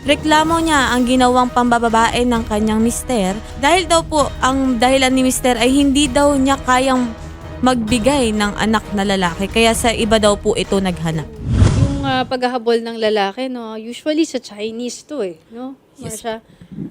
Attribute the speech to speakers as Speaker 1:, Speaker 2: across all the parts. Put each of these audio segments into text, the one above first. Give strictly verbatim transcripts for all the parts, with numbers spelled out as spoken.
Speaker 1: Reklamo niya ang ginawang pambababae ng kanyang mister dahil daw po ang dahilan ni mister ay hindi daw niya kayang magbigay ng anak na lalaki kaya sa iba daw po ito naghanap.
Speaker 2: Yung ah, paghahabol ng lalaki, no, usually sa Chinese to eh, no?
Speaker 1: Yes.
Speaker 2: Marsha.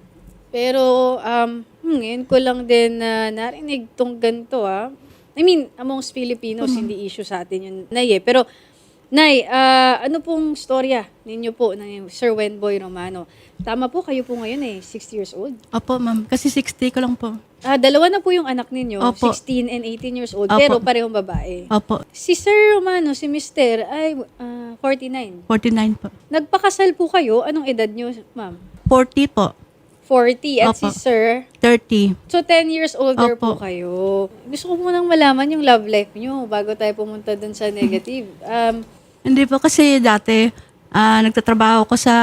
Speaker 2: Pero um, hmm, ngayon ko lang din na narinig tong ganito ah. I mean, amongst Filipinos, hindi issue sa atin yun, Nay eh. Pero, Nay, ah, ano pong storya ninyo po ng Sir Wenboy Romano? Tama po, kayo po ngayon eh, sixty years old.
Speaker 3: Opo, ma'am. Kasi sixty ko lang po.
Speaker 2: Ah, dalawa na po yung anak ninyo,
Speaker 3: Opo.
Speaker 2: sixteen and eighteen years old,
Speaker 3: Opo.
Speaker 2: pero parehong babae.
Speaker 3: Opo,
Speaker 2: Si Sir Romano, si Mister ay ah, forty-nine.
Speaker 3: forty-nine po.
Speaker 2: Nagpakasal po kayo, anong edad nyo, ma'am?
Speaker 3: forty po.
Speaker 2: forty. At
Speaker 3: Opo.
Speaker 2: si Sir,
Speaker 3: thirty.
Speaker 2: so ten years older po
Speaker 3: Opo.
Speaker 2: kayo. Gusto ko munang malaman yung love life nyo bago tayo pumunta dun sa negative. Um,
Speaker 3: Hindi po kasi dati, ah, nagtatrabaho ko sa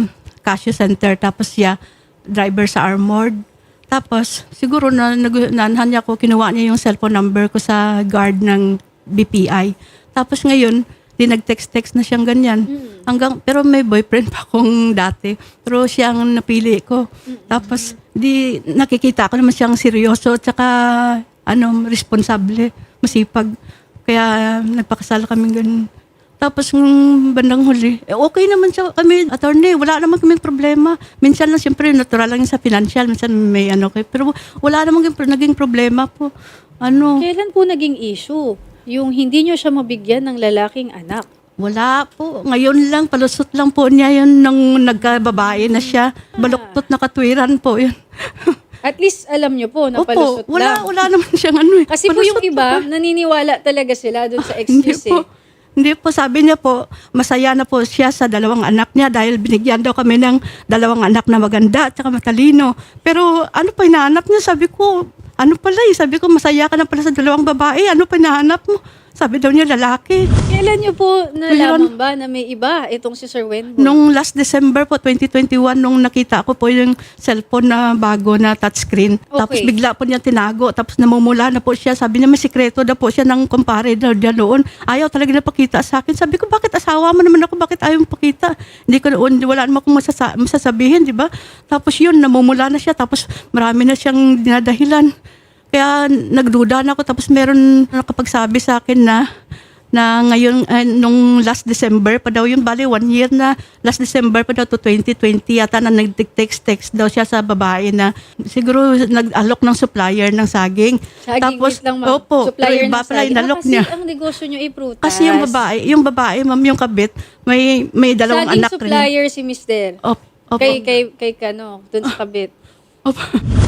Speaker 3: Casio Center. Tapos siya, driver sa Armored. Tapos, siguro na, nag- naanhan niya ko, kinuha niya yung cellphone number ko sa guard ng B P I. Tapos ngayon, di nag-text-text na siyang ganyan. Hanggang, pero may boyfriend pa akong dati. Pero siya ang napili ko. Tapos, di nakikita ko naman siyang seryoso at saka, ano, responsable, masipag. Kaya nagpakasal kami ganun. Tapos ng bandang huli, eh, okay naman siya kami, attorney, wala naman kaming problema. Minsan lang, siyempre, natural lang yun sa financial, minsan may ano kayo. Pero wala naman kaming- naging problema po. Ano,
Speaker 2: kailan po naging issue? Yung hindi nyo siya mabigyan ng lalaking anak.
Speaker 3: wala po. Ngayon lang, palusot lang po niya yun nung nagkababae na siya. Baluktot na katwiran po yun.
Speaker 2: At least alam nyo po na
Speaker 3: Opo,
Speaker 2: palusot
Speaker 3: wala,
Speaker 2: lang.
Speaker 3: wala naman siyang ano eh.
Speaker 2: Kasi po yung
Speaker 3: Palusot
Speaker 2: iba,
Speaker 3: po.
Speaker 2: naniniwala talaga sila dun sa
Speaker 3: Hindi
Speaker 2: excuse
Speaker 3: po.
Speaker 2: eh.
Speaker 3: Hindi po, sabi niya po, masaya na po siya sa dalawang anak niya dahil binigyan daw kami ng dalawang anak na maganda at saka matalino. Pero ano pa hinahanap niya? Sabi ko, ano pala eh? Sabi ko, masaya ka na pala sa dalawang babae. Ano pa hinahanap mo? Sabi daw niya, lalaki.
Speaker 2: Kailan nyo po nalaman ba na may iba itong si Sir Wenboy?
Speaker 3: Nung last December po, twenty twenty-one, nung nakita ko po yung cellphone na bago na touchscreen. Tapos
Speaker 2: Okay.
Speaker 3: bigla po niya tinago. Tapos namumula na po siya. Sabi niya, may sikreto na po siya ng kumpare daw diyan noon. Ayaw talaga na pakita sa akin. Sabi ko, bakit asawa mo naman ako? Bakit ayaw mo pakita? Hindi ko noon, wala naman akong masasa- masasabihin, di ba? Tapos yun, namumula na siya. Tapos marami na siyang dinadahilan. Kaya nagduda na ako. Tapos meron nakapagsabi sa akin na na ngayon, eh, nung last December pa daw yun, bali one year na, last December pa daw to twenty twenty, yata na nag-text-text daw siya sa babae na siguro nag-alok ng supplier ng saging.
Speaker 2: Saging,
Speaker 3: Tapos,
Speaker 2: wait lang, ma'am.
Speaker 3: opo,
Speaker 2: Supplier
Speaker 3: pero iba
Speaker 2: ng
Speaker 3: pala
Speaker 2: saging.
Speaker 3: yung
Speaker 2: Ah,
Speaker 3: alok
Speaker 2: kasi
Speaker 3: niya.
Speaker 2: ang negosyo nyo ay prutas.
Speaker 3: Kasi yung babae, yung babae, ma'am, yung kabit, may may dalawang
Speaker 2: Saging
Speaker 3: anak rin.
Speaker 2: supplier si Mister.
Speaker 3: Opo, opo.
Speaker 2: Kay, kay, kay kano, dun sa kabit.
Speaker 3: Opo.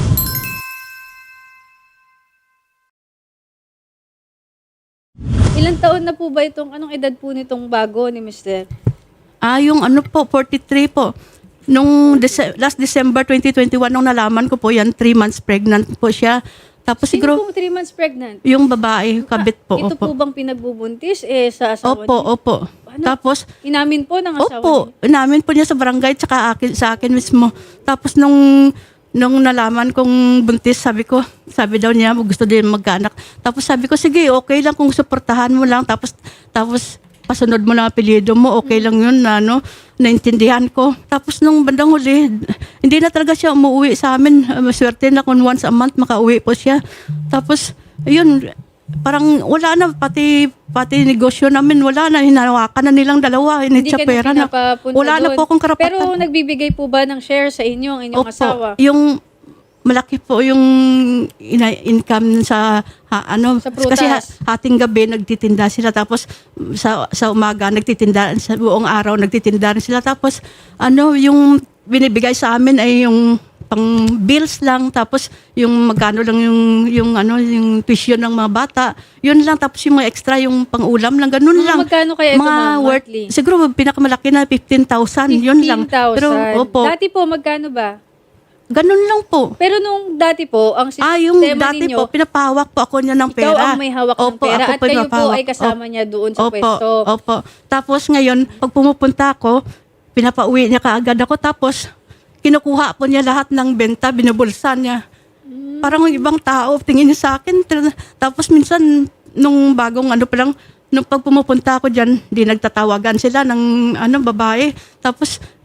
Speaker 2: Ilang taon na po ba itong, anong edad po nitong bago ni Mister?
Speaker 3: Ah, yung ano po, forty-three po. Nung Dece- last December twenty twenty-one, nung nalaman ko po yan, three months pregnant po siya. Tapos
Speaker 2: Sino
Speaker 3: siguro,
Speaker 2: pong three months pregnant?
Speaker 3: yung babae, kabit po.
Speaker 2: Ito
Speaker 3: Opo,
Speaker 2: po bang pinagbubuntis eh sa asawa
Speaker 3: opo,
Speaker 2: niyo?
Speaker 3: opo.
Speaker 2: Ano?
Speaker 3: Tapos,
Speaker 2: Inamin po ng asawa
Speaker 3: opo,
Speaker 2: niyo?
Speaker 3: namin po niya sa barangay, tsaka akin, sa akin mismo. Tapos nung, nung nalaman kong buntis, sabi ko, sabi daw niya, gusto din magkaanak. Tapos sabi ko, sige, okay lang kung suportahan mo lang. Tapos, tapos, pasunod mo lang ang apelyido mo, okay lang yun na, ano, naintindihan ko. Tapos nung bandang huli, hindi na talaga siya umuwi sa amin. Uh, Maswerte na kung once a month makauwi po siya. Tapos, ayun, parang wala na, pati pati negosyo namin, wala na, hinawakan na nilang dalawa,
Speaker 2: Hindi
Speaker 3: initsa
Speaker 2: ka na
Speaker 3: pera na.
Speaker 2: pinapapunta
Speaker 3: Wala na
Speaker 2: doon.
Speaker 3: po akong karapatan.
Speaker 2: Pero nagbibigay po ba ng share sa inyo, ang inyong
Speaker 3: Opo,
Speaker 2: asawa?
Speaker 3: yung malaki po yung ina- income sa ha- ano
Speaker 2: Sa prutas.
Speaker 3: kasi ha- hating gabi nagtitinda sila, tapos sa sa umaga nagtitinda, sa buong araw nagtitinda rin sila, tapos ano yung binibigay sa amin ay yung pang bills lang, tapos yung magkano lang yung yung ano yung tuition ng mga bata, yun lang, tapos yung mga extra yung pang-ulam lang, ganun
Speaker 2: Mga
Speaker 3: lang.
Speaker 2: magkano kaya ito,
Speaker 3: mga
Speaker 2: ma'am,
Speaker 3: worth,
Speaker 2: monthly?
Speaker 3: siguro pinakamalaki na fifteen thousand, yun lang.
Speaker 2: fifteen thousand.
Speaker 3: Pero opo,
Speaker 2: Dati po, magkano ba?
Speaker 3: ganun lang po.
Speaker 2: Pero nung dati po, ang sistema
Speaker 3: Ah, yung dati
Speaker 2: ninyo,
Speaker 3: po, pinapahawak po ako niya ng
Speaker 2: ikaw
Speaker 3: pera.
Speaker 2: ang may hawak ng
Speaker 3: Opo,
Speaker 2: pera
Speaker 3: ako
Speaker 2: at kayo po
Speaker 3: pinapahawak.
Speaker 2: ay kasama niya doon sa
Speaker 3: Opo,
Speaker 2: pwesto.
Speaker 3: Opo. Tapos ngayon, pag pumupunta ako, pinapauwi niya kaagad ako. Tapos, kinukuha po niya lahat ng benta, binubulsa niya.
Speaker 2: Hmm.
Speaker 3: Parang yung ibang tao, tingin niya sa akin. Tapos minsan, nung bagong ano pa lang, nung pag pumupunta ako dyan, di nagtatawagan sila ng ano, babae. Tapos,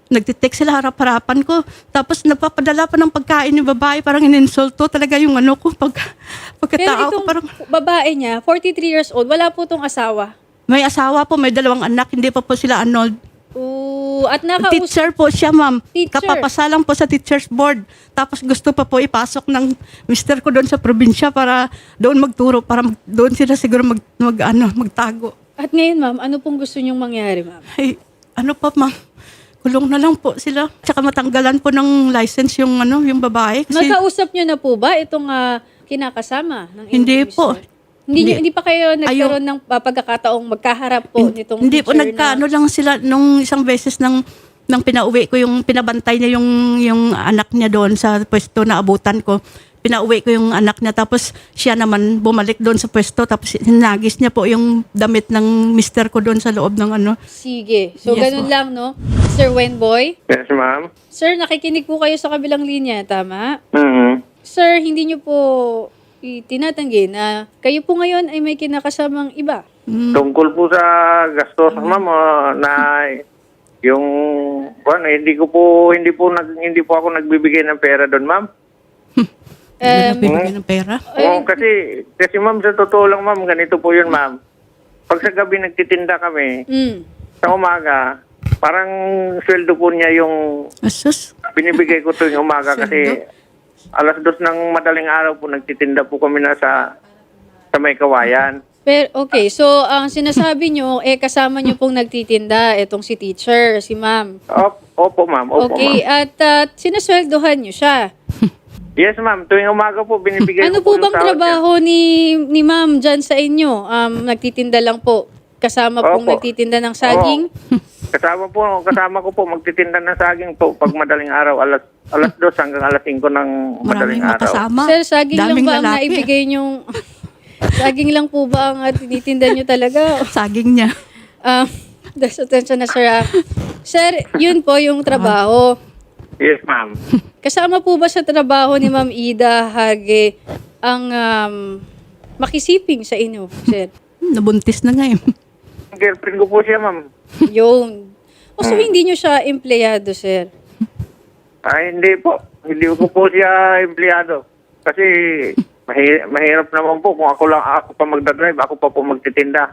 Speaker 3: nagtitext sila harap-harapan ko. Tapos napapadala pa ng pagkain yung babae, parang ininsulto talaga yung ano ko. Pag,
Speaker 2: Pero
Speaker 3: pagkatao ko
Speaker 2: itong
Speaker 3: parang,
Speaker 2: babae niya, forty-three years old, wala po tong asawa.
Speaker 3: may asawa po, may dalawang anak, hindi pa po sila annulled.
Speaker 2: Oo, at nakausap.
Speaker 3: Teacher po siya, ma'am.
Speaker 2: Teacher.
Speaker 3: Kapapasalang po sa teacher's board. Tapos gusto pa po ipasok ng mister ko doon sa probinsya para doon magturo, para mag, doon sila siguro mag, mag, ano, magtago.
Speaker 2: At ngayon, ma'am, ano pong gusto niyong mangyari, ma'am?
Speaker 3: Ay, ano pa, ma'am? Kulong na lang po sila. Tsaka matanggalan po ng license yung ano, yung babae. Kasi
Speaker 2: Nagkausap niyo na po ba itong ah, kinakasama ng inyong
Speaker 3: Hindi po.
Speaker 2: mister? Hindi, niyo-
Speaker 3: Hindi.
Speaker 2: hindi pa kayo nagkaroon ng ah, pagkakataong magkaharap po nitong
Speaker 3: hindi po
Speaker 2: teacher
Speaker 3: nagkaano
Speaker 2: na...
Speaker 3: lang sila nung isang beses ng nang pinauwi ko yung pinabantay niya yung yung anak niya doon sa pwesto na abutan ko. Pinauwi ko yung anak niya tapos siya naman bumalik doon sa pwesto tapos hinagis niya po yung damit ng mister ko doon sa loob ng ano.
Speaker 2: Sige. So,
Speaker 3: Yes,
Speaker 2: ganun
Speaker 3: ma'am.
Speaker 2: lang, no? Sir Wenboy?
Speaker 4: Yes, ma'am.
Speaker 2: Sir, nakikinig po kayo sa kabilang linya, tama?
Speaker 4: Mm-hmm.
Speaker 2: Sir, hindi niyo po itinatanggi na kayo po ngayon ay may kinakasamang iba.
Speaker 4: Tungkol po sa gastos, ma'am, ah, na yung ano, hindi ko po hindi po nag, hindi po ako nagbibigay ng pera doon, ma'am.
Speaker 3: Hindi na
Speaker 2: Um,
Speaker 3: bibigyan ng pera.
Speaker 4: Oo, kasi kasi ma'am, sa totoo lang, ma'am, ganito po 'yun, ma'am. Pag sa gabi nagtitinda kami,
Speaker 2: mm.
Speaker 4: sa umaga, parang sweldo po niya yung
Speaker 3: Asus.
Speaker 4: binibigay ko tuwing umaga kasi alas dos ng madaling araw po nagtitinda po kami na sa sa may kawayan.
Speaker 2: Pero, okay, so ang sinasabi nyo, eh kasama nyo pong nagtitinda, etong si teacher, si ma'am.
Speaker 4: Opo, opo ma'am, opo
Speaker 2: Okay,
Speaker 4: ma'am.
Speaker 2: at uh, sinasweldohan nyo siya.
Speaker 4: Yes, ma'am, tuwing umaga po binibigay
Speaker 2: Ano
Speaker 4: ko
Speaker 2: po
Speaker 4: yung
Speaker 2: bang
Speaker 4: sahod niya.
Speaker 2: trabaho ni, ni ma'am dyan sa inyo? Um, nagtitinda lang po, kasama pong
Speaker 4: Opo.
Speaker 2: nagtitinda ng saging?
Speaker 4: Oo. Kasama po, kasama ko po magtitinda ng saging po pag madaling araw, alas alas dos hanggang alas singko ng madaling
Speaker 3: Maraming
Speaker 4: araw.
Speaker 3: makasama.
Speaker 2: Sir, saging lang
Speaker 3: Daming
Speaker 2: ba ang
Speaker 3: lalaki.
Speaker 2: naibigay nyong... saging lang po ba ang uh, tinitinda nyo talaga?
Speaker 3: Saging niya.
Speaker 2: Um, das attention na, sir. ah. Sir, yun po yung trabaho.
Speaker 4: Yes, ma'am.
Speaker 2: Kasama po ba sa trabaho ni Ma'am Ida Hage ang um, makisiping sa inyo, sir?
Speaker 3: Nabuntis na nga eh.
Speaker 4: Girlfriend ko po siya, ma'am.
Speaker 2: Yun. O so, hindi nyo siya empleyado, sir?
Speaker 4: Ay, hindi po. Hindi ko po siya empleyado. Kasi mahi- mahirap naman po kung ako lang ako pa magdadrive, ako pa po magtitinda.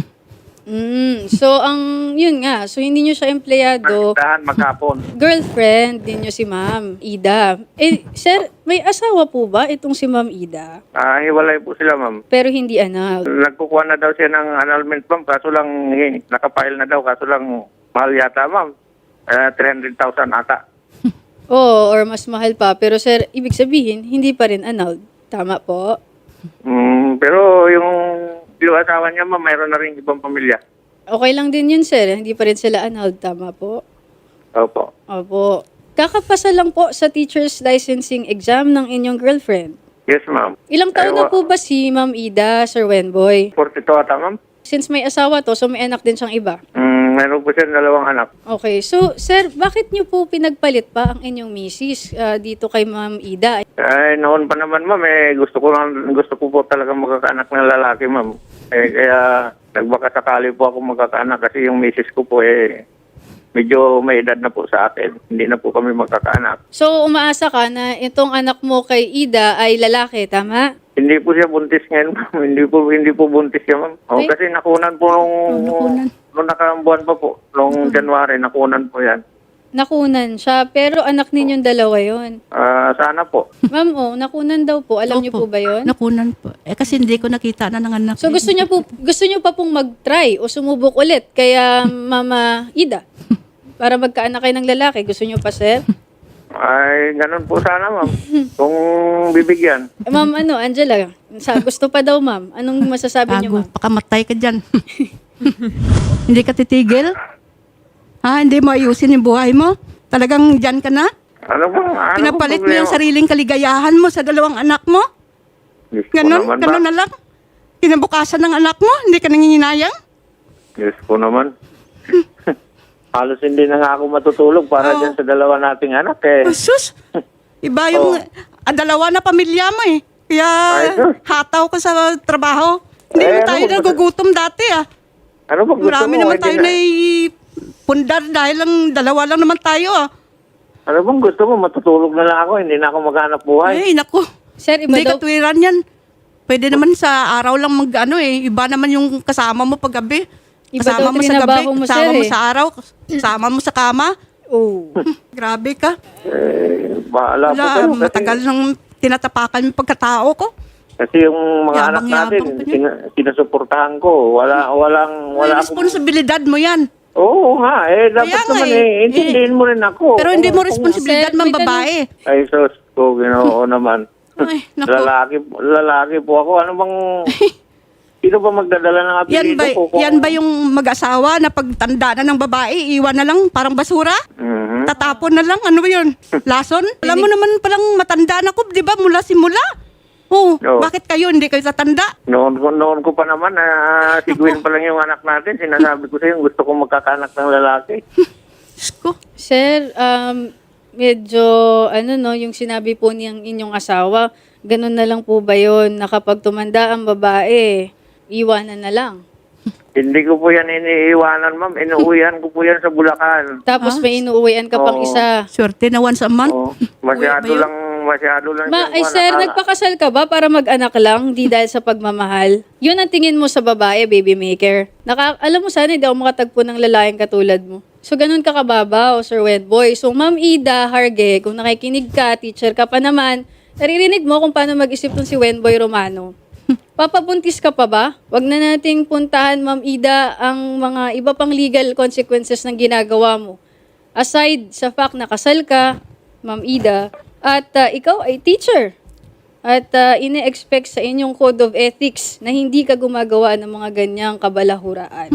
Speaker 2: Mm, so, ang, yun nga, so hindi nyo siya empleyado.
Speaker 4: Magtindahan, maghapon.
Speaker 2: Girlfriend din nyo si Ma'am Ida. Eh, sir, may asawa po ba itong si Ma'am Ida?
Speaker 4: Ah, hiwalay po sila, ma'am.
Speaker 2: Pero hindi anak.
Speaker 4: Nagkukuha na daw siya ng annulment, ma'am. Kaso lang, eh, nakapile na daw. Kaso lang, mahal yata, ma'am. Uh, three hundred thousand ata.
Speaker 2: Oo, or mas mahal pa. Pero sir, ibig sabihin, hindi pa rin annulled. Tama po?
Speaker 4: Mm, pero yung, yung asawa niya, ma'am, mayroon na rin ibang pamilya.
Speaker 2: Okay lang din yun, sir. Hindi pa rin sila annulled. Tama po?
Speaker 4: Opo.
Speaker 2: Opo. Kakapasa lang po sa teacher's licensing exam ng inyong girlfriend.
Speaker 4: Yes, ma'am.
Speaker 2: Ilang taon
Speaker 4: Ay,
Speaker 2: na
Speaker 4: wa-
Speaker 2: po ba si Ma'am Ida, Sir Wenboy?
Speaker 4: forty-two ata, ma'am.
Speaker 2: Since may asawa to, so may anak din siyang iba.
Speaker 4: Mm, mayroon po siya dalawang anak.
Speaker 2: Okay. So, sir, bakit niyo po pinagpalit pa ang inyong misis ah, dito kay Ma'am Ida?
Speaker 4: Ay, noon pa naman, ma'am, eh, gusto ko lang, gusto ko po talaga magkakaanak ng lalaki, ma'am. Eh, kaya, nagbaka sakali po ako magkakaanak kasi yung misis ko po, eh, medyo may edad na po sa akin. Hindi na po kami magkakaanak.
Speaker 2: So, umaasa ka na itong anak mo kay Ida ay lalaki, tama?
Speaker 4: Hindi po siya buntis ngayon, ma'am. Hindi po, hindi po buntis siya, ma'am. O,
Speaker 2: Ay.
Speaker 4: kasi nakunan po nung,
Speaker 3: nakunan.
Speaker 4: nung nakaambuan pa po. Nung January, nakunan po yan.
Speaker 2: Nakunan siya, pero anak ninyong dalawa yon.
Speaker 4: Ah, sana po.
Speaker 2: Ma'am, oh, nakunan daw po. Alam niyo po
Speaker 3: Opo.
Speaker 2: ba yon?
Speaker 3: Nakunan po. Eh kasi hindi ko nakita na ng anak.
Speaker 2: So gusto niyo po gusto niyo pa pong mag-try o sumubok ulit kaya Mama Ida para magkaanak kayo ng lalaki. Gusto niyo pa, sir?
Speaker 4: Ay, ganun po sana, ma'am. Kung bibigyan.
Speaker 2: Eh, ma'am, ano, Angela, sa gusto pa daw, ma'am. Anong masasabi niyo,
Speaker 3: Bago,
Speaker 2: ma'am?
Speaker 3: pakamatay ka dyan. Hindi ka titigil? Ha? Hindi mo ayusin yung buhay mo? Talagang dyan ka na?
Speaker 4: Ano ba? Ano
Speaker 3: Pinapalit mo
Speaker 4: problema?
Speaker 3: yung sariling kaligayahan mo sa dalawang anak mo?
Speaker 4: Diyos ko
Speaker 3: Ganon?
Speaker 4: naman,
Speaker 3: Ganon
Speaker 4: ba?
Speaker 3: na lang? Kinabukasan ng anak mo? Hindi ka nanginginayang?
Speaker 4: Diyos ko naman. Halos hindi na nga ako matutulog para
Speaker 3: Oo.
Speaker 4: dyan sa dalawa nating anak eh.
Speaker 3: Oh, sus! Iba yung ah, dalawa na pamilya mo eh. Kaya
Speaker 4: Ay, sus.
Speaker 3: hataw ka sa trabaho. Hindi
Speaker 4: Eh,
Speaker 3: naman
Speaker 4: ano
Speaker 3: tayo
Speaker 4: ba-
Speaker 3: nagugutom dati ah.
Speaker 4: Ano ba gusto
Speaker 3: Marami
Speaker 4: mo?
Speaker 3: naman
Speaker 4: Hindi
Speaker 3: tayo
Speaker 4: na-
Speaker 3: na pundar dahil lang dalawa lang naman tayo ah.
Speaker 4: Ano bang gusto mo? Matutulog na lang ako. Hindi na ako maghanap buhay.
Speaker 3: Ay, naku.
Speaker 2: Sir, iba
Speaker 3: Hindi
Speaker 2: daw,
Speaker 3: katwiran yan. Pwede naman sa araw lang mag ano eh. Iba naman yung kasama mo pag gabi.
Speaker 2: Iba
Speaker 3: Kasama
Speaker 2: daw
Speaker 3: mo sa gabi,
Speaker 2: trinabaho mo,
Speaker 3: kasama
Speaker 2: sir,
Speaker 3: mo
Speaker 2: eh.
Speaker 3: sa araw, kasama mo sa kama.
Speaker 2: oh.
Speaker 3: Grabe ka.
Speaker 4: Eh, bahala po
Speaker 3: Wala,
Speaker 4: kayo. Kasi,
Speaker 3: matagal nang tinatapakan yung pagkatao ko.
Speaker 4: kasi yung mga anak
Speaker 3: Yabang-yabang
Speaker 4: natin,
Speaker 3: pa niya.
Speaker 4: sina- sinusuportahan ko. Wala, walang,
Speaker 3: May
Speaker 4: wala akong...
Speaker 3: responsibilidad mo yan.
Speaker 4: Oo nga, eh, dapat
Speaker 3: Kaya nga
Speaker 4: naman
Speaker 3: eh.
Speaker 4: eh, intindihin mo rin ako.
Speaker 3: Pero hindi mo
Speaker 4: Kung-
Speaker 3: responsibilidad
Speaker 2: Sir,
Speaker 3: mang
Speaker 2: may
Speaker 3: babae.
Speaker 4: Ay, sus ko, ginoo naman.
Speaker 3: Ay, naku.
Speaker 4: Lalaki, lalaki po ako. Ano bang... Sino ba magdadala ng apelido
Speaker 3: Yan ba,
Speaker 4: ko? Kung-
Speaker 3: yan ba yung mag-asawa na pagtanda na ng babae, iwan na lang parang basura?
Speaker 4: Mhm.
Speaker 3: Tatapon na lang? Ano ba yun? Lason? Alam mo naman palang matanda na ko, di ba? Mula simula. Oh,
Speaker 4: Oo.
Speaker 3: bakit kayo hindi kayo tatanda?
Speaker 4: Noon ko, noon ko pa naman, na si Gwen pa lang yung anak natin. Sinasabi ko sa'yo, gusto kong magkakanak ng lalaki.
Speaker 3: Diyos ko.
Speaker 2: Sir, um, medyo, ano no, yung sinabi po niyang inyong asawa, ganun na lang po ba yun, na kapag tumanda ang babae, iwanan na lang.
Speaker 4: Hindi ko po yan iniiwanan, ma'am. Inuuwihan ko po yan sa Bulacan.
Speaker 2: Tapos may inuuwian ka pang
Speaker 4: Oo.
Speaker 2: isa.
Speaker 3: Swerte na once a month.
Speaker 4: Oh, masyado
Speaker 3: Uwi ba yun?
Speaker 4: lang, masyado lang.
Speaker 2: Ma,
Speaker 4: siyang
Speaker 2: ay
Speaker 4: kuwan,
Speaker 2: sir,
Speaker 4: nakaka-
Speaker 2: nagpakasal ka ba para mag-anak lang, di dahil sa pagmamahal? Yun ang tingin mo sa babae, baby maker. Naka, alam mo sana, hindi ako makatagpo ng lalaking katulad mo. So, ganun ka kababaw, Sir Wendboy. So, Ma'am Ida Harge, kung nakikinig ka, teacher ka pa naman, naririnig mo kung paano mag-isip tong si Wendboy Romano. Papabuntis ka pa ba? Wag na nating puntahan, Ma'am Ida, ang mga iba pang legal consequences ng ginagawa mo. Aside sa fact na kasal ka, Ma'am Ida, at uh, ikaw ay teacher. At uh, ine-expect sa inyong code of ethics na hindi ka gumagawa ng mga ganyang kabalahuraan.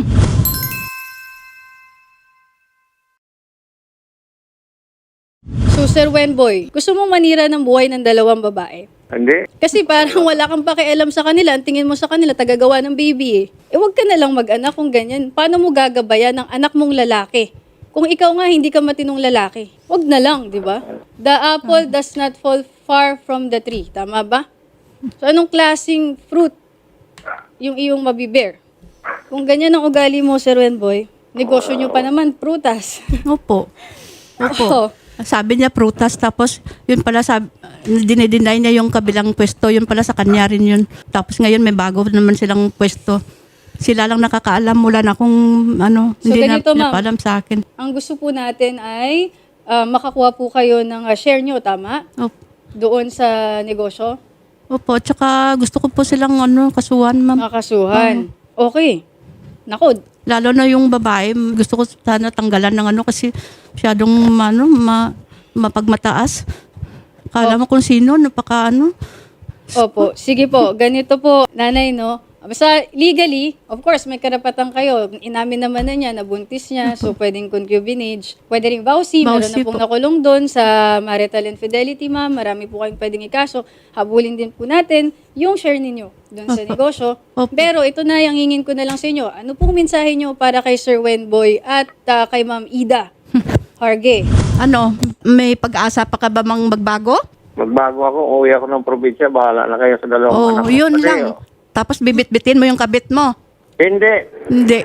Speaker 2: So, Sir Wenboy, gusto mong manira ng buhay ng dalawang babae?
Speaker 4: Hindi.
Speaker 2: Kasi parang wala kang pakialam sa kanila. Ang tingin mo sa kanila, tagagawa ng baby eh. Eh, wag ka na lang mag-anak kung ganyan. Paano mo gagabayan ng anak mong lalaki? Kung ikaw nga hindi ka matinong lalaki, wag na lang, di ba? The apple does not fall far from the tree. Tama ba? So, anong klaseng fruit yung iyong mabibear? Kung ganyan ang ugali mo, Sir Wenboy, negosyo nyo pa naman, prutas.
Speaker 3: Opo. Opo.
Speaker 2: Oo.
Speaker 3: Sabi niya prutas, tapos yun pala sabi, dinideny niya yung kabilang pwesto, yun pala sa kanya rin yun. Tapos ngayon may bago naman silang pwesto. Sila lang nakakaalam, mula na kung ano,
Speaker 2: So,
Speaker 3: hindi na
Speaker 2: ganito, ma'am.
Speaker 3: pinapalam sa akin.
Speaker 2: Ang gusto po natin ay ah, makakuha po kayo ng ah, share nyo, tama?
Speaker 3: Opo.
Speaker 2: Doon sa negosyo,
Speaker 3: Opo, tsaka gusto ko po silang ano, kasuhan, ma'am.
Speaker 2: makasuhan. Okay. Naku,
Speaker 3: Lalo na yung babae, gusto ko sana tanggalan ng ano kasi masyadong ano, ma, mapagmataas. Kala mo kung sino, napaka ano.
Speaker 2: opo. Sige po, ganito po, nanay, no? Basta legally, of course, may karapatan kayo. Inamin naman na niya, nabuntis niya, so pwedeng concubinage. Pwede rin vowsy, meron na
Speaker 3: Vowsy
Speaker 2: pong
Speaker 3: po.
Speaker 2: nakulong doon sa marital infidelity, ma'am. Marami po kayong pwedeng ikaso. Habulin din po natin yung share ninyo doon sa negosyo.
Speaker 3: Opo.
Speaker 2: Pero ito na, yung hingin ko na lang sa inyo. Ano pong mensahe nyo para kay Sir Wenboy at ah, kay Ma'am Ida Harge?
Speaker 3: Ano, may pag-asa pa ka ba mang magbago?
Speaker 4: Magbago ako, uwi ako ng probinsya, bahala na kayo sa dalawang
Speaker 3: Oh,
Speaker 4: anak. ko.
Speaker 3: yun
Speaker 4: Kasi,
Speaker 3: lang.
Speaker 4: oh,
Speaker 3: Tapos bibit-bitin mo yung kabit mo.
Speaker 4: Hindi.
Speaker 3: Hindi.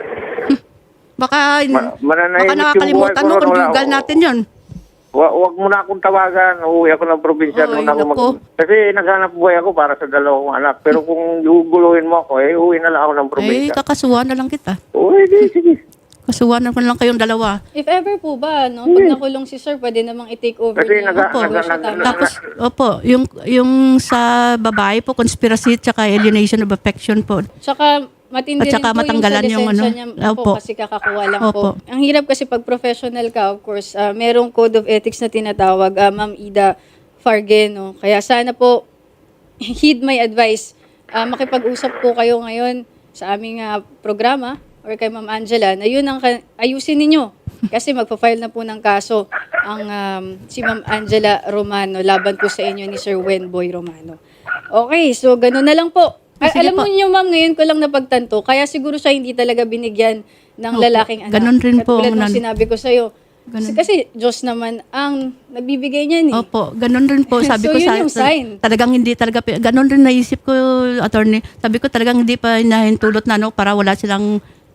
Speaker 3: Baka,
Speaker 4: Ma- mananahimik
Speaker 3: baka
Speaker 4: yung
Speaker 3: nakakalimutan
Speaker 4: buhay
Speaker 3: mo
Speaker 4: ko
Speaker 3: kung
Speaker 4: ron, wala
Speaker 3: dugal
Speaker 4: ako.
Speaker 3: natin yun.
Speaker 4: Wa- wag mo na akong tawagan. Uuwi ako ng probinsya.
Speaker 3: Oy,
Speaker 4: Doon ako mag-
Speaker 3: naku.
Speaker 4: Kasi naghanap buhay ako para sa dalawang anak. Pero kung guguluhin mo ako, eh, uwi na lang ako ng
Speaker 3: Eh,
Speaker 4: probinsya.
Speaker 3: kakasuhan na lang kita.
Speaker 4: Uwi, di, sige.
Speaker 3: Kasuhan na lang kayong dalawa.
Speaker 2: If ever po ba, no, pag nakulong si Sir, pwede namang i-take over
Speaker 4: Kasi
Speaker 2: niya.
Speaker 4: naga-
Speaker 2: ang
Speaker 4: naga-
Speaker 2: negosyo,
Speaker 4: naga-
Speaker 2: tama?
Speaker 3: Tapos, opo, yung, yung sa babae po, conspiracy at saka alienation of affection po.
Speaker 2: Tsaka matindi
Speaker 3: At saka
Speaker 2: rin po
Speaker 3: matanggalan
Speaker 2: yung sa
Speaker 3: yung
Speaker 2: lisensya
Speaker 3: ano.
Speaker 2: niya po
Speaker 3: Opo.
Speaker 2: kasi kakakuha lang
Speaker 3: Opo.
Speaker 2: po. Ang hirap kasi pag professional ka, of course, ah, merong code of ethics na tinatawag, ah, Ma'am Ida Farge, no? Kaya sana po, heed my advice. Ah, makipag-usap po kayo ngayon sa aming ah, programa or kay Ma'am Angela na yun ang ka- ayusin ninyo. Kasi magpa-file na po ng kaso ang um, si Ma'am Angela Romano laban po sa inyo ni Sir Wenboy Romano. Okay, so gano'n na lang po. Al-
Speaker 3: Sige
Speaker 2: alam mo
Speaker 3: po.
Speaker 2: niyo, ma'am, ngayon ko lang napagtanto, kaya siguro siya hindi talaga binigyan ng
Speaker 3: Opo.
Speaker 2: lalaking anak.
Speaker 3: Ganon rin po
Speaker 2: Katulad
Speaker 3: ang
Speaker 2: ng
Speaker 3: nan-
Speaker 2: sinabi ko sa'yo. Kasi,
Speaker 3: Ganon.
Speaker 2: kasi Diyos naman ang nagbibigay niyan eh.
Speaker 3: Opo, ganun rin po. Sabi
Speaker 2: So,
Speaker 3: ko
Speaker 2: yun
Speaker 3: sa
Speaker 2: yung sign.
Speaker 3: talagang hindi talaga ganun rin naisip ko, attorney. Sabi ko talagang hindi pa hinahintulot na ano para wala silang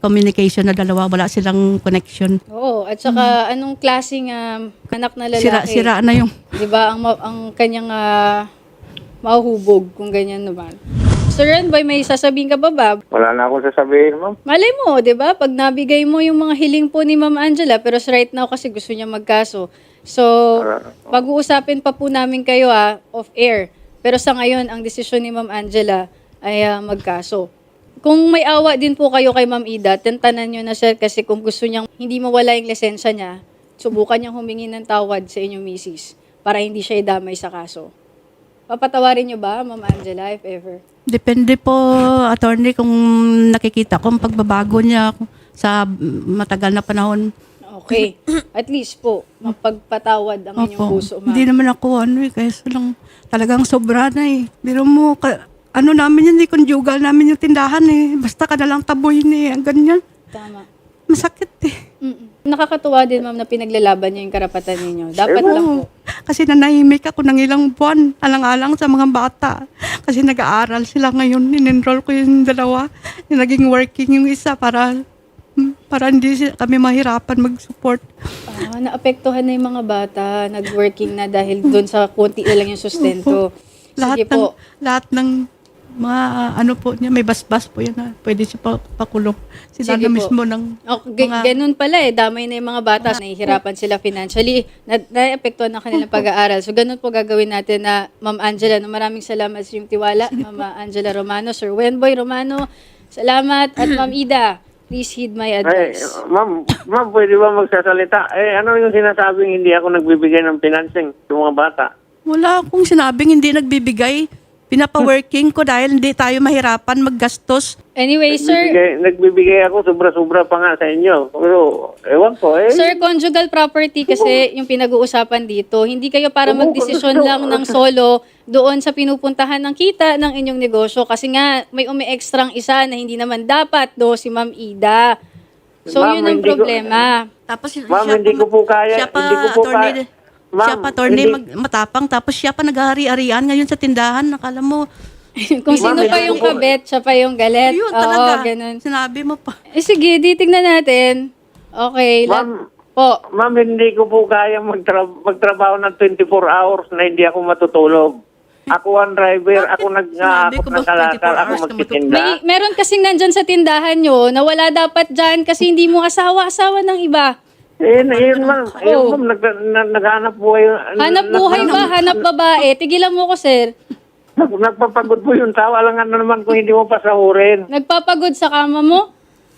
Speaker 3: communication na dalawa. Wala silang connection.
Speaker 2: Oo, at saka anong klaseng um, anak na lalaki?
Speaker 3: Sira-sira na yung...
Speaker 2: 'Di ba ang ma- ang kanyang ah, mahuhubog kung ganyan naman. Sir Renboy, may sasabihin ka ba ba?
Speaker 4: Wala na akong sasabihin, ma'am.
Speaker 2: Malay mo, 'di ba? Pag nabigay mo yung mga hiling po ni Ma'am Angela, pero right now kasi gusto niya magkaso. So, pag-uusapin pa po namin kayo ah, off air. Pero sa ngayon, ang desisyon ni Ma'am Angela ay ah, magkaso. Kung may awa din po kayo kay Ma'am Ida, tentanan nyo na siya kasi kung gusto niyang hindi mawala yung lisensya niya, subukan niyang humingi ng tawad sa inyong misis para hindi siya idamay sa kaso. Papatawarin niyo ba, Ma'am Angela, if ever?
Speaker 3: Depende po, attorney, kung nakikita ko ang pagbabago niya sa matagal na panahon.
Speaker 2: Okay. At least po, mapagpatawad ang inyong
Speaker 3: Opo.
Speaker 2: puso, Ma'am.
Speaker 3: Hindi naman ako ano eh, kaya lang talagang sobra na eh. Biro mo, ka, ano namin yun, eh, conjugal namin yung tindahan eh. Basta ka na lang taboy eh, ang ganyan.
Speaker 2: Tama.
Speaker 3: Masakit eh.
Speaker 2: Mm-mm. Nakakatuwa din, Ma'am, na pinaglalaban niyo yung karapatan ninyo. Dapat lang po.
Speaker 3: Kasi nanahimik ako ng ilang buwan, alang-alang sa mga bata. Kasi nag-aaral sila ngayon, in-enroll ko yung dalawa. Naging working yung isa para para hindi si- kami mahirapan mag-support.
Speaker 2: Ah, naapektuhan na yung mga bata, nag-working na dahil doon sa konti na lang yung sustento.
Speaker 3: Lahat
Speaker 2: Sige
Speaker 3: ng,
Speaker 2: po.
Speaker 3: lahat ng mga ano po niya, may basbas po yan na pwede siya pa, pakulong. Sila
Speaker 2: Sige
Speaker 3: na
Speaker 2: po.
Speaker 3: mismo ng
Speaker 2: Oh, g-
Speaker 3: mga-
Speaker 2: ganun pala eh, damay na yung mga bata, nahihirapan sila financially, na naapektuhan ng kanilang pag-aaral. So ganun po gagawin natin na Ma'am Angela. No, maraming salamat sa iyong tiwala, Ma'am Angela Romano, Sir Wenboy Romano. Salamat. At Ma'am Ida, please heed my
Speaker 4: Ay,
Speaker 2: advice.
Speaker 4: ma'am, ma'am, pwede ba magsasalita? Eh, ano yung sinasabing hindi ako nagbibigay ng financing sa mga bata?
Speaker 3: wala akong sinabing hindi nagbibigay. Pinapa-working ko dahil hindi tayo mahirapan maggastos.
Speaker 2: Anyway, sir,
Speaker 4: Nagbibigay, nagbibigay ako sobra-sobra pa nga sa inyo. Pero, ewan ko eh.
Speaker 2: Sir, conjugal property kasi yung pinag-uusapan dito. Hindi kayo para magdesisyon lang ng solo doon sa pinupuntahan ng kita ng inyong negosyo. Kasi nga, may umi-extrang isa na hindi naman dapat do si Ma'am Ida. So,
Speaker 4: Ma'am,
Speaker 2: yun ang
Speaker 4: hindi ko-
Speaker 2: problema.
Speaker 3: Tapos
Speaker 4: Ma'am,
Speaker 3: siya
Speaker 4: hindi
Speaker 3: pa-
Speaker 4: ko po kaya-
Speaker 3: Siya pa,
Speaker 4: hindi ko po
Speaker 3: attorney,
Speaker 4: kaya- Ma'am,
Speaker 3: siya pa, attorney,
Speaker 4: hindi-
Speaker 3: mag, matapang. Tapos siya pa naghahari-arian ngayon sa tindahan. Nakala mo,
Speaker 2: Kung sino
Speaker 4: Ma'am,
Speaker 2: pa
Speaker 4: hindi
Speaker 2: yung
Speaker 4: ko po-
Speaker 2: kabet, siya pa yung galet.
Speaker 3: ayun
Speaker 2: Oo,
Speaker 3: talaga.
Speaker 2: ganun.
Speaker 3: Sinabi mo pa.
Speaker 2: Eh, sige, titignan natin. Okay. la-
Speaker 4: Ma'am,
Speaker 2: po.
Speaker 4: ma'am, hindi ko po kaya magtra- magtrabaho ng twenty-four hours na hindi ako matutulog. Ako ang driver, ako
Speaker 3: Sinabi
Speaker 4: nag-aakot
Speaker 3: ko ba
Speaker 4: ng kalakal,
Speaker 3: twenty-four
Speaker 4: ako
Speaker 3: hours ka
Speaker 4: magtitinda.
Speaker 2: May, meron kasing nandyan sa tindahan nyo na wala dapat dyan kasi hindi mo asawa-asawa ng iba.
Speaker 4: Eh, yun ma'am, yun
Speaker 2: Oh.
Speaker 4: ma'am, nag, nag, naghanap buhay.
Speaker 2: Hanap buhay ba? Hanap babae? Tigilan mo ko, sir.
Speaker 4: Nag, nagpapagod po yung tao, alangan na naman kung hindi mo pasahurin.
Speaker 2: Nagpapagod sa kama mo?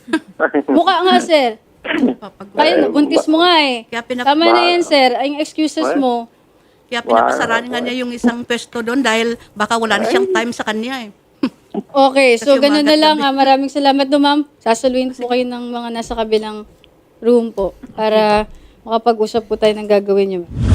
Speaker 2: Mukha nga, sir. Kaya, buntis mo nga eh.
Speaker 3: Kaya pinap-
Speaker 2: Tama na yan, sir. Ay, yung excuses mo.
Speaker 3: Kaya pinapasarahan nga niya yung isang pwesto doon dahil baka wala na siyang time sa kanya eh.
Speaker 2: Okay, so
Speaker 3: Kasi
Speaker 2: ganun na
Speaker 3: umagat
Speaker 2: lang.
Speaker 3: gabi.
Speaker 2: Ah. Maraming salamat do, ma'am. Sasaluin po kayo ng mga nasa kabilang room po para makapag-usap po tayo ng gagawin niyo.